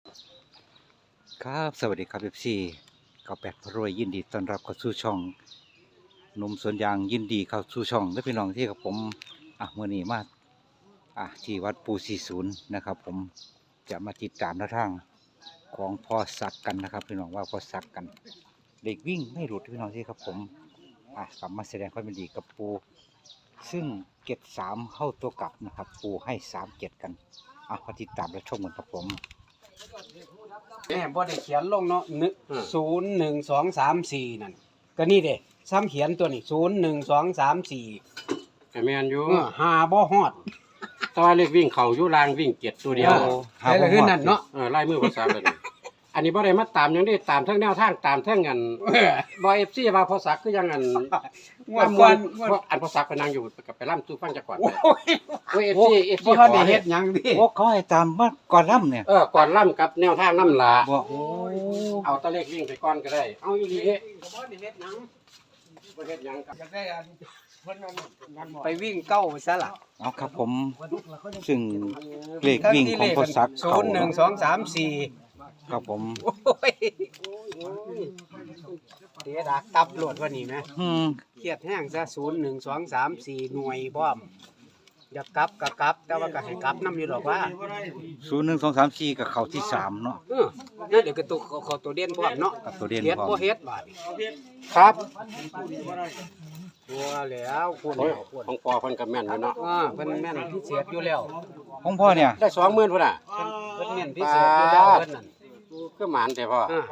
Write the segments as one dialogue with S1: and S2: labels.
S1: ครับสวัสดีครับFC เก้าแปดพรวยยินดีต้อนรับเข้าสู่ช่องหนุ่มสวนยางยินดีเข้าสู่ช่องและพี่น้องที่กับผมเมื่อนี้มาที่วัดปู40นะครับผมจะมาติดตามแนวทางของพ่อศักดิ์กันนะครับพี่น้องว่าพ่อศักดิ์กันเด็กวิ่งไม่หลุดพี่น้องที่ครับผมกลับมาแสดงความยินดีกับปูซึ่งเก็บ3เข้าตัวกลับนะครับปูให้3-7กันมาติดตามและชมกันครับผม
S2: แม่บ่ได้เขียนลงเนาะ0 1 2 3 4นั่นก็นี่เด้ซ้ำเขียนตัวนี้0 1 2 3 4
S3: ก็แม่นอยู่
S2: หาบ่ฮอด
S3: แต่ว่าเลขวิ่งเขาอยู่ลางวิ่งเกียรตัวเดียว
S2: ใช่ละคือนั่นเนาะ
S3: ไล่มือภาษาเลยอันนี้บ่ได้มาตามหยังได้ตามทั้งแนวทางตามทั้งอันบ่ FC ว่าภาษาคือยังอัน
S2: งวดก่อน
S3: เพราะอันภาษาไปนั่งอยู่กับไปล่ำตู้ฟังจักก่อน
S2: โอ้ย
S3: โอ้ย FC
S2: บ่ทันได้เฮ็ดหยังดิ
S1: โอ้เขาให้ตามมาก่อนล่ำเนี่ย
S3: ก่อนล่ำกับแนวทางน้ำลา
S1: บอกโอ้
S3: เอาตะเลขวิ่งไปก่อนก็ได้เอาอีหลี
S2: บ่ได้เฮ็ดหยัง
S3: บ่เฮ็ดหยังกับ
S2: อยากได้อันเพิ่นนั่นไปวิ่งเก้าซะล่ะ
S1: เอาครับผมซึ่งเลขวิ่งของพ่อศักดิ์เขา
S2: 0 1 2 3 4
S1: ครับผม
S2: โอ้ยเดี๋ยวดักตับโหลดว่านี่แม่ เครียดแห้งซะ0 1 2 3 4หน่วยพร้อมอยากกลับก็กลับ แต่ว่าก็ให้กลับนำอยู่ดอกว่า
S1: 01 2 3 4กับเขาที่3เนาะ
S2: นั่นเดี๋ยวก็ตัวขอตัวเด่นพร้อมเนาะ
S1: กับตัวเด่น
S2: เฮ็ด
S1: พร้อม
S2: บ่เฮ็ดบาด
S3: ครับ
S2: ตัวแล้วคุณ
S3: โอ้ย
S2: คุณ
S3: ของปอเพิ่นก็แม่นอยู่เนาะ
S2: เพิ่นแม่นพิเศษอยู่แล้ว
S1: ของพ่อเนี่ย
S3: ได้20,000พุ่นน่ะ
S2: เพิ่นแม่นพิเศษอยู่แล้วเพิ่นนั่น
S3: คือหมานแต่พ่อ
S2: อ่า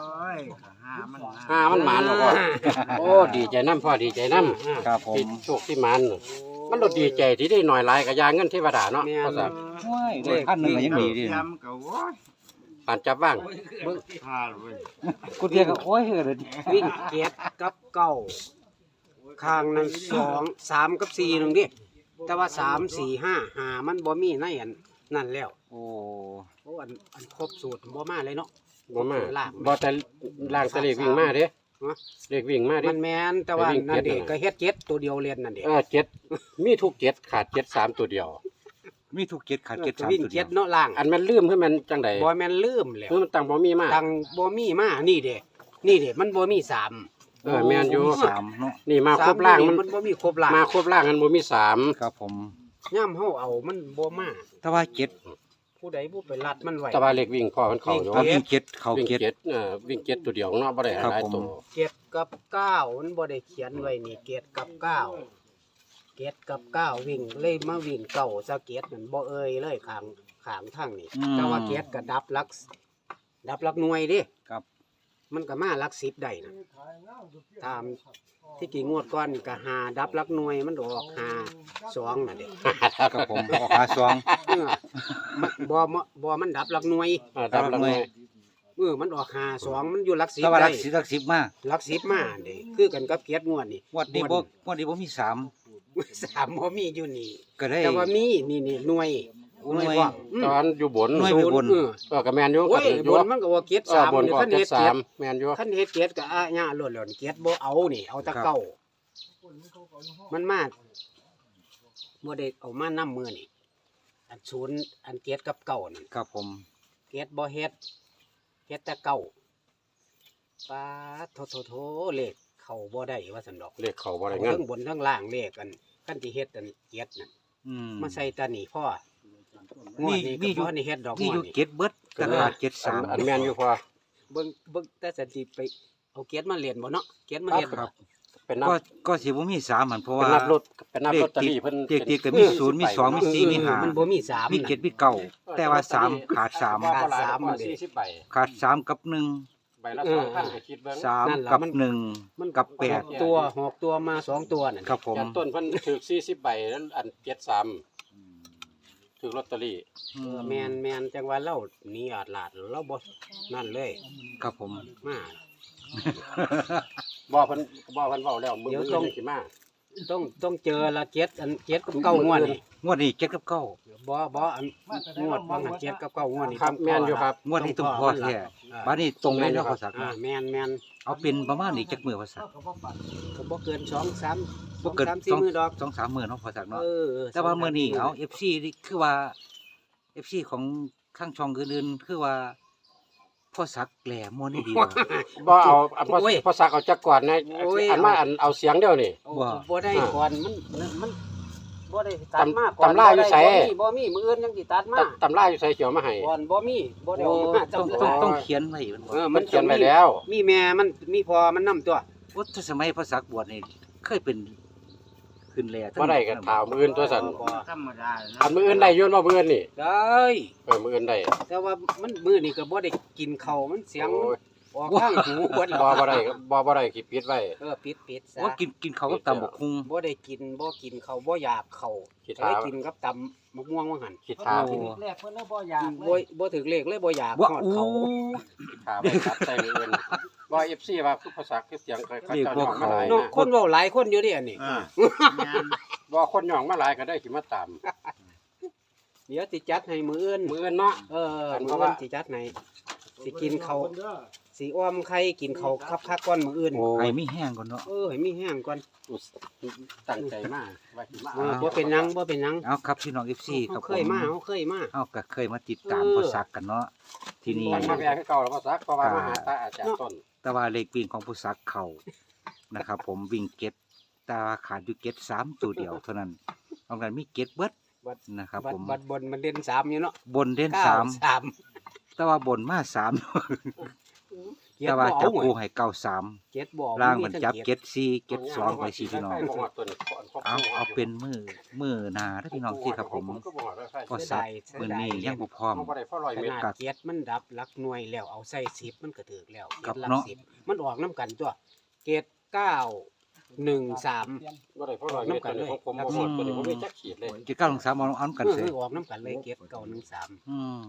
S3: มันหมานบ่พ่อโอ้ดีใจนํพ่อดีใจนํ
S1: ครับผม
S3: ที่โชคที่มันมันรถดีใจที่ได้หน่อยหลายกับยาเงินเทวดาเนาะ
S2: แม่
S3: เพราะ
S2: น
S3: ว่า
S1: ว้ายเลขท่านหนึ่งก็ยังดีดิ
S3: ปานจับว่าง
S1: กูเรียกก็โอ้ยเฮ้ยเลย
S2: วิ่งเกียรกับเก้าข้างนั้น2 3กับ4นึงดิแต่ว่า3 4 5 5มันบ่มีในอันนั่นแล้ว
S1: โอ้
S2: โอ้อันครบสูตรบ่มาเลยเนาะ
S3: บ่มา
S2: ล่าง
S3: บ่แต่ล่างแตะเลขวิ่งมาเด้
S2: ฮะ
S3: เลขวิ่งมาเด้
S2: มันแม่นแต่ว่า
S3: ไปวิ่ง
S2: นั่นเด็
S3: เจ็ดน่ะ
S2: ก็เฮ็ดเจ็ดตัวเดียวเรียนนั่นเด็
S3: เจ็ดมีทุกเจ็ดขาดเจ็ดสามตัวเดียว
S1: มีทุกเจ็ดขาดเจ็ดสาม
S2: วิ่ง
S1: ตัวเดี
S2: เจ็
S1: ย
S2: ด
S1: ว
S2: เนาะล่าง
S3: อันมันลืมคือมันจังได๋
S2: บ่แม่นลืมแล้ว
S3: คือมันตั้งบ่มีมา
S2: ตังบ่มีมานี่เด้นี่เด้มันบ่มีสาม
S3: แม่นอยู่
S1: มี3เนาะ
S3: นี่มาครบล่างมัน
S2: มันบ่มีครบล่าง
S3: มาครบล่างมันบ่มีสาม
S1: ครับผม
S2: ย่ำเฮาเอามันบ่มา
S1: แต่ว่าเจ็ด
S2: ผู้ใดผู้ไปรัดมันไว้
S3: แต่ว่าเลขวิ่งพ่อมันเข้าอยู่
S1: เอาวิ่งเจ็ดเขา
S3: วิ่ง
S1: เจ็ด
S3: เจ็ดวิ่งเจ็ดตัวเดียวเนาะบ่ได้ห
S1: ครับ
S3: ลาย
S1: ผม
S3: ตัว
S2: เจ็ดกับเก้ามันบ่ได้เขียนไว้นี่เจ็ดกับเก้าเจ็ดกับเก้าวิ่งเลยมาวิ่งเก้าซะเจ็ดนั่นบ่เอ่ยเลยข้างทางนี่แต่ว่าเจ็ดก็ดับหลักหน่วยเดิ
S1: ครับ
S2: มันก็มาหลัก10ได้นะตามที่กี่งวดก่อนก็หาดับหลักหน่วยมันออกหา2น่ะเด้
S1: ครับผมออกหาซอง
S2: เออมันบ่มันดับหลักหน่วย
S3: ดับละหน่วย
S2: มันออกหา2มันอยู่หลัก
S1: แต่ว่า
S2: 10
S1: หลั
S2: ได้
S1: ก10มา
S2: หลัก10มาเด้คือกันกับเกียรติงวดนี่
S1: งวดนี้บ่มี3
S2: 3บ่มีอยู่นี่
S1: ก็ได้
S2: แต่ว่ามีนี่หน่วย
S1: หน่วย
S2: พร้อม
S3: ตอนอยู่บน
S1: หน่วยไปบน
S3: ก็แม่นอยู่
S2: โอ้
S3: ก็
S2: ย
S3: ถือบ อยู่
S2: นมันก็ว่าเกียรติ
S3: บน
S2: 3
S3: ก็
S2: คัน
S3: เจ็
S2: เฮ็
S3: ด
S2: ด
S3: สา
S2: เกียร
S3: ม
S2: ติ
S3: แม่นอยู่
S2: คันเฮ็ดเกียรติก็ญาโลดแล้วเกียรติบ่เอานี่เอาแตะเก้ามันมาบ่ได้เอามานำมือนี่อันศูนย์อันเกียรติกับเก้านี่
S1: ครับผม
S2: เกียรติบ่เฮ็ดแต่เก้าปาดโถเลขเข้าบ่ได้ว่าซั่นดอก
S3: เลขเขาบ่ได้เงิน
S2: ทั้งบนทั้งล่างเลขกันคันที่เฮ็ดอันเกียรตินั่น มาใส่ตานี่พ่องวดนี้ก็บ่นี่เฮ็ดดอก
S1: มี
S2: งว
S1: อยู่
S2: ดนี้
S1: เจ็ดเบิดแต่ขาดเจ็ดสาม
S3: อันแม่นอยู่พอ
S2: เบิ่งแต่สันติไปเอาเกียรติมาเรียนบ่เนาะเกียรติมาเฮ็ด
S1: ครับ
S3: เป็นนับ
S1: ก็สิบ่มี3มันเพราะ
S3: เป็น
S1: ว่า
S3: นับรถเป็นนับ
S1: เล
S3: ลอ
S1: ข
S3: ตเตอ
S1: ติด
S3: รี่เพิ่น
S1: เลขติดก็มี0มี2มี4มี5
S2: มันบ่มี3
S1: มี7มี9แต่ว่า3ขาด
S2: ขาดสาม
S3: สาม
S2: เด้
S3: 40ใบ
S1: 3ขาด3กับ1
S3: ใบละ2,000ก็คิดเบิ่ง
S1: 3กับ
S2: มัน
S1: 1กับ
S2: หกตัว6ตัวมา2ตัวนั่น
S1: ครับผม
S3: ยันต้นเพิ่นถูก40ใบแล้วอัน73ถูกลอตเตอรี่
S2: แม่นจังว่าเราหนีอาดลาดเราบ่นั่นเลย
S1: ครับผม
S2: มา
S3: บ่เพิ่นเว้าแล้วมื้อ
S2: เดี๋ยว
S3: นี้
S2: ต้อง
S3: สิมา
S2: ต้องเจอละเจ็ดอันเจ็ดกับเก้างวดนี่
S1: งวดนี้7กับ9
S2: บ่อันงวดบางอันเจ็ดกับเก้างวดนี่
S3: ครับแม่นอยู่ครับ
S1: งวดนี้ต้องพอแท้บัดนี้ตรงเลยเนาะภาษา
S2: แม่น
S1: เอาเป็นประมาณนี้จักมื้อภาษา
S2: ก็บ่เกิน2 3
S1: บ่เกิน
S2: 3 4มื้อดอก
S1: 2-3มื้อเนาะภาษาเนาะ
S2: เออ
S1: แต่ว่ามื้อนี้เอา FC นี่คือว่า FC ของข้างช่องอื่นๆคือว่าพ่อซักแหลมมันนี่ดีบ่
S3: บ่เอา
S2: โอ้ย
S3: พอสักเอาจักก่อนนะ
S2: โอ้ย
S3: อันมาอันเอาเสียงเดียวนี่
S2: โอ้
S1: ว่า
S2: บ่ได้ก่อนมันบ่ได้ตัดมาก่อน
S3: ตำราอยู่ไส
S2: บ่มีมื้ออื่นยังสิตัดมา
S3: ตำราอยู่ใส่เขียวมาให้
S2: ก่อนบ่มีบ่ได้
S1: โอ้
S2: เอามา
S1: ต้อง
S2: จำ
S1: ต้อง
S2: รา
S1: ต้องเขียนไว้มันบ่
S3: มันเขียนไว้แล้ว
S2: มีแม่มันมีพ่อมันนํตัว
S1: ว่าถ้าสมัยพ่อซักบวชนี่เคยเป็นขึ้นแหล่
S3: บ่ได้ก็ถามมื้ออื่นตัวสั่น
S2: บ่ธรรมดา
S3: อันมื้ออื่นได้อยุ่นบ่มื้ออื่นนี่
S2: ได้
S3: มื้ออื่นได้
S2: แต่ว่ามันมื้อนี้ก็บ่ได้กินข้าวมันเสียง
S3: โอ้ย
S2: ออกข้างหูเบิดแล้ว
S3: บ่ได้บ่ได้ขี้ปิดไว้
S2: ปิดซะ
S1: ว่ากินเขาวกับตำบักคุง
S2: บ่ได้กินบ่กินข้าวบ่อยากข้าว
S3: ขี้
S2: ได้
S3: ถา
S2: กินกับตำมะม่วงว่าหั่น
S3: ขี้ถา
S1: โอ้
S4: แรกเพิ่นเลยบ่อยากเล
S2: บ่
S4: ย
S2: บ่ถึกเลขเลยบ่อยาก
S1: ว่า
S2: ฮอด
S1: โอ้
S2: เขา
S3: ขี้ถาไปตัดใส่มื้ออื่นบ่ FC ว่าคือภาษาคือเสียงเขา
S1: เรียก
S3: เจ้า
S1: ว่า
S3: ย่องมาหลาย
S2: เนาะ
S3: นะ
S2: คนเว้าหลายคนอยู่เดิอันนี้
S3: บ่คนย่องมาหลายก็ได้สิมาตาม
S2: เดี๋ยวสิจัดให้มื้ออื่น
S3: มื้ออื่นเนาะ
S2: มื้อ
S3: เพ
S2: อื่
S3: ราะ
S2: น
S3: ว่า
S2: สิจัดให้สิกินข้าวสิอ้อมไข่กินข้าวคักๆก่อนมื้ออื่น
S3: โอ้
S1: ไอ้
S3: ย
S1: มีแห้งก่อนเนาะ
S2: ให้มีแห้งก่อน
S3: ตั้งใจมาว่าสิมา
S2: บ่เป็นหยังบ่เป็นหยัง
S1: เอาครับพี่น้อง FC ครับ
S2: เคยมาเฮาเคยมา
S1: เฮาก็เคยมาติดตาม
S2: เออ
S1: พ่อซักกันเนาะที่นี่
S3: มันมาแวะคือเก่าแล้วภาษาเพราะว่ามาหาตาอาจารย์ต้น
S1: แต่ว่าเลขวิ่งของผู้ซักเขานะครับผมวิ่งเก็ตแต่ว่าขาดอยู่เก็ต3ตัวเดียวเท่านั้นนอกนั้นมีเก็ตเบิดนะครับ
S2: บั
S1: ผ
S2: ด
S1: ม
S2: บัดบนมันเด่น3อยู่เนาะ
S1: บนเด่น
S2: 9
S1: 3
S2: 3
S1: แต่ว่าบนมา3 แต่ว่าจับคู่ให้เก้าสาม
S2: เจ็ดบ่
S1: ล่างมันจับ
S2: ทั้
S1: เก็ตสี่เก็ตสองไปสี่พี่น้อง เอาเป็นมือหนาถ้าพี่น้องที่ครับผมพอสักมือนี้ยังบ่พร้อม
S2: ขนาดเจ็ดมันดับหลักหน่วยแล้วเอาใส่10มันก็ถึกแล้ว
S1: ครับ
S2: เจ็ดหลัก
S1: เนาะ
S2: 10มันออกน้ำกันตัวเกต9 1 3
S3: บ่ได้เพราะรอยเม็ดตัวนี้ของผมบ่หมดตัวนี้ผมไม่จักขีดเลย
S1: เจ็ดเก้าสามเอาอันกันเสย
S2: ออกน้ำกันเลยเกต9 1 3
S1: อืม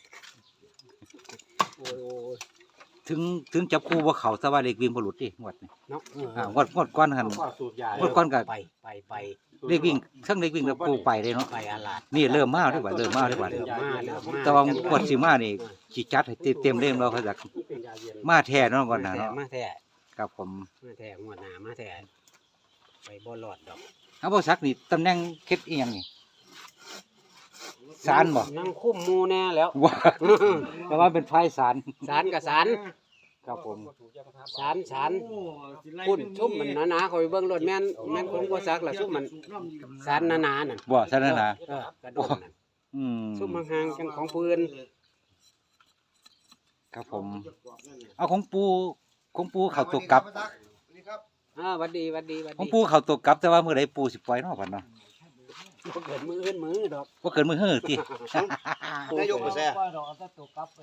S2: โอ้ย
S1: ถึงจับคู่ว่าเขาแต่ว่าเลขวิ่งบ่หลุดดิงวดนี่
S2: เนาะ
S1: งวดก้อนหัน
S3: ก็สูตรยา
S1: งวดก้อนก็
S2: ไป
S1: เลขวิ่งทั้งเลขวิ่งกับคู่ไปเลยเนาะ
S2: ไปอาลาด
S1: นี่เริ่มมาได้บ่เริ่มมาได้บ่
S2: เริ่มมา
S1: แต่ว่างวดสิมานี่สิจัดให้เต็มๆเล่มเราเขาจักมาแท้เนาะก่อนนะเนาะ
S2: มาแท้
S1: ครับผม
S2: มาแท้งวดหน้ามาแท้ไปบ่รอดดอก
S1: เอาบ่ซักนี่ตำแหน่งเฮ็ดอีหยังนี่ศาลบ่
S2: นั่งคุ้มหมู่แน่แล้ว
S1: ว่าแต่ว่าเป็นไฟศาล
S2: ศาลกับศาล
S1: ครับผม
S2: ศาลพุ่นชุ่มมันหนาๆคอยเบิ่งรถแม่นคงบ่ซักล่ะชุ่มมันศาลหนาๆนั่น
S1: บ่ซะนั่นน่ะ
S2: กระโดดนั่น
S1: อืม
S2: ชุ่มห่างๆจังของปืน
S1: ครับผม เอาของปูเข้าตัวกลับ
S2: หวัดดี
S1: ของปูเข้าตัวกลับแต่ว่ามื้อใดปูสิปล่อยเนาะบัดเนาะ
S2: บ่เกิดมืออื่นมือดอก
S1: บ่เกินมื้อเฮ้อติ
S4: นายกบ่แซ่ปล่อยดอกเอาแต่ตัวกลับไป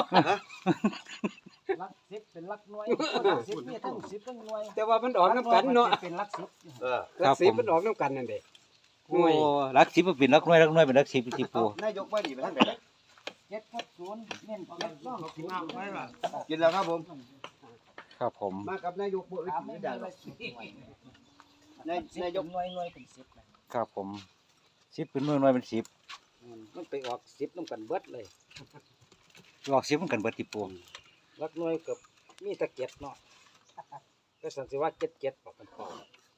S4: ลักสิบเป็นลักหน่วยลักสิบมีทั้ง10ทั้งหน่วย
S2: แต่ว่ามันออกน้ำกันเนาะ
S4: เป็นลักสิบ
S2: หลักสิบมันออกน้ำกันนั่นเด้
S1: โอ้หลัก10มันเป็นหลักหน่วยเป็นหลัก10ที่ปู
S4: นายกว่าดีไปทางไหน7กับ0เน้น7ต้อง10
S5: กินแล้วครับผม
S1: ครับผม
S5: มากับนายกบ่อื่น
S4: ถามไม่
S5: ไม่
S4: ได้
S5: ได้หร
S4: เล
S5: อก
S4: ย
S5: นายก
S4: หน่วยเป็น10นะ
S1: ครับผม10เป็นหน่วยเป็น10
S2: มันไปออก10น้ำกันเบิดเลย
S1: ออก10มันกันเบิดที่ปู
S2: หลักหน่วยกับมีตะเกียบเนาะก็สันสิว่า77ปอกกันพอ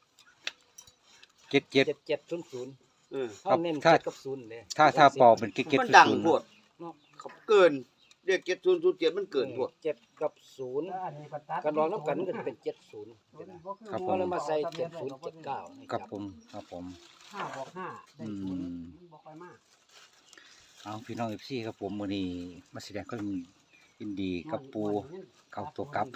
S1: 77
S2: 7700
S5: เออ
S2: เฮาเน้น
S1: ถ้า
S2: 7กับ0เด้
S1: ถ้าเป่าเป็นเก็ต
S5: มัน
S1: ๆ
S5: ดัง
S1: ศูนย์
S5: โพดเขาเกินเรียก7007มันเกินโพด
S2: 7กับ0กันรองน้ำกันมันก็จะเป็น70
S1: ครับผ
S2: ก็
S1: ม
S2: เลยมาใส่7079ให้
S1: ครับผมครับผม
S2: 5บวก5ได้
S1: อื
S2: 0
S1: ม
S2: มันบ่ค่อยมาก
S1: เอาพี่น้องFCครับผมมื้อนี้มาแสดงความยินดีกับปูเข้าตัวกลับ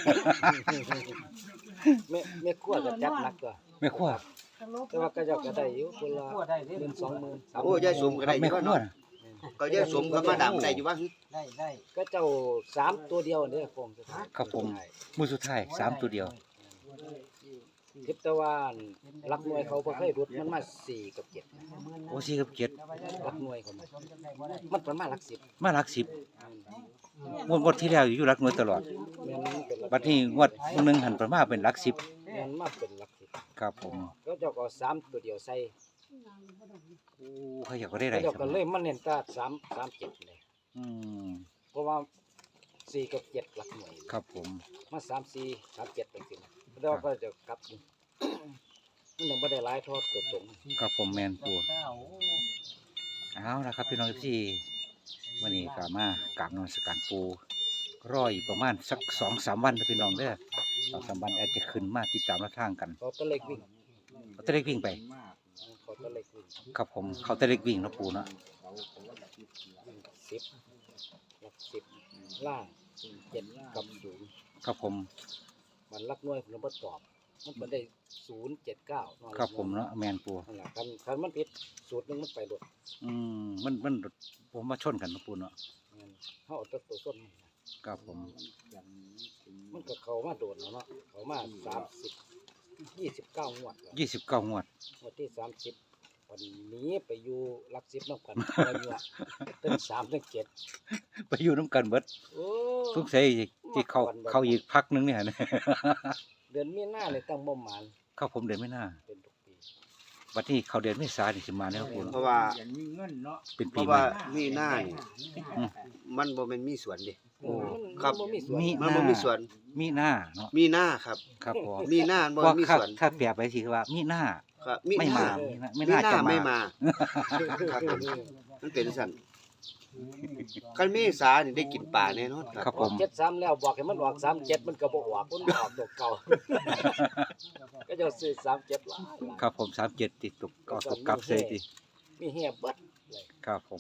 S2: แม่ครัวก็จัดหนักก็
S1: แม่ครัว
S2: แต่ว่าก็เจ้าก็ได้อยู่คนละ10,000 20,000
S5: โอ้ยายสมก็ได้อ
S1: แม่
S5: ยู่
S1: ค
S5: ว่า
S1: รัว
S5: เนาะ
S1: น่ะ
S5: ก็ยายสมก็มาดังได้อยู่ว่า
S4: ได้
S2: ก็เจ้า3ตัวเดียวเนี่ยคงจะ
S1: ครับผมมื้อสุดท้าย3ตัวเดียว
S2: ทิพตะวันรักหน่วยเขาบ่เคยรุดมันมา4กับ7
S1: โอ้4กับ7
S2: รักหน่วยเขามันประมาณหลัก10
S1: มาหลัก10งวดที่แล้วอยู่หลักหน่วยตลอด
S2: แม่นมันเป็นหลัก
S1: บัดนี้งวดนึงหันประมาเป็นหลัก10
S2: แม่นมาเป็นหลัก10
S1: ครับผม
S2: ก็เจ้าก็เอา3ตัวเดียวใส่
S1: โอ้เขาอยากก็ได้ไร
S2: เจ้า
S1: ค
S2: ก็
S1: รับ
S2: เลยมันเน้นแต3 7เลย
S1: อืม
S2: เพราะว่า4กับ7หลักหน่วย
S1: ครับผม
S2: มา3 4 3 7จังซี่แล้วก็จะกลับอยู่มันยังบ่ได้หลายทอดตัวตรง
S1: ครับผมแม่นปูเอาละครับพี่น้องที่วันนี้ก็มากราบนมัสการปูรออีกประมาณสัก2-3 วันนะพี่น้องเด้อ2-3 วันอาจจะขึ้นมาติดตามรับทางกัน
S2: เขาตะเล็กวิ่ง
S1: เขาตะเล็กวิ่งไป
S2: เขาตะเล็กวิ่ง
S1: ครับผมเขาตะเล็กวิ่งเนาะปูเนาะ
S2: 10หลัก10ล่าง7กับ0
S1: ครับผม
S2: มันลักน้อยผมบ่ตอบมันบ่ได้079
S1: ครับผมเนาะแมนปู
S2: นั่นล่ะคันมันผิดสูตรหนึงมันไปโดด
S1: มันผมมาชนกันเนาะปูเนาะ
S2: เฮาเอาแต่ตัวส้นมันนะครับ
S1: ผม
S2: มันก็เข้ามาโดดแล้วเนาะเข้ามา29งวดแล้ว
S1: 29 งวด
S2: งวดที่30วันนี้ไปอยู่หลัก10นำกันอะไรเงี้ยตั้ง3ตั้ง7
S1: ไปอยู่น้ำกันเบิด
S2: โอ้
S1: สงสัยที่เขาอีกพักนึงเนี่ย นะ
S2: เดือนมีนาเลยตั้งบ่หมาน
S1: ครับผมเดือนไม่น่า
S2: เป็นทุกปี
S1: วันที่เขาเดือนเมษายนนี่สิมาแน่ปู
S5: เพ
S1: เนาะ
S5: ราะว่า
S4: อย่างมีเงินเนาะ
S1: เป็น
S5: เพ
S1: ปี
S5: ราะ
S1: ใหม่
S5: ว่ามีหน้านี่มันบ่แม่นมีสวนดิ
S1: โอ้
S5: ครับ
S2: มันบ่มีส่วน
S1: มี
S5: มันบ่มีสวน
S1: มีหน้าเนาะ
S5: มีหน้าครับ
S1: ครับผม
S5: มีหน้าบ่
S1: ว่า
S5: มี
S1: ถ้า
S5: สวน
S1: ถ้าเปรียบไปสิคือว่ามีหน้า
S5: ครับ
S1: ไม่มา
S5: มี
S1: ไม่
S5: ห
S1: น่า
S5: น้า
S1: จะ
S5: ไม่
S1: มา
S5: มาครับผมมันเป็นสั่นคันเมษานี่ได้กินปลาแน่นอนค
S1: ครั
S5: รั
S1: บบ ผม
S2: 73แล้วบอกให้มันออก37มันก็บ่ออกมันออกตัวเก่า ก็จะซื้อ37หลาย
S1: ครับผม37ติดตกก็ตกกลับเสยติ
S2: มีเฮียเบิดเลย
S1: ครับผม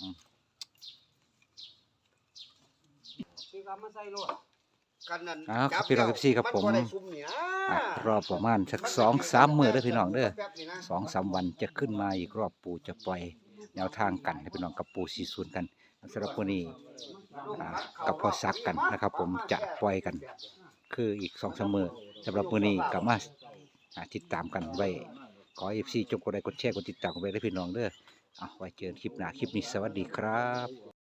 S2: พี่ก็มาใส่รถ
S5: กันนั้น
S1: ครับพี่น้อง14ครับผม
S5: นบ่ได้ซุ่มนี่นะ
S1: รอบประมาณสัก2-3 มื้อเด้อพี่น้องเด้อ
S5: แป๊บนี่นะ
S1: 2-3 วันจะขึ้นมาอีกรอบปู่จะปล่อยแนวทางกันให้พี่น้องกับปู่40กันสำหรับวันนี้กับพอซักกันนะครับ ผมจะปล่อยกัน คืออีก2-3 มื้อสำหรับวันนี้ก็มาติดตามกันไว้ขอ FC จงกดไลค์กดแชร์กดติดตามกันไว้ด้วยพี่น้องเด้อไว้เจอคลิปหน้าคลิปนี้สวัสดีครับ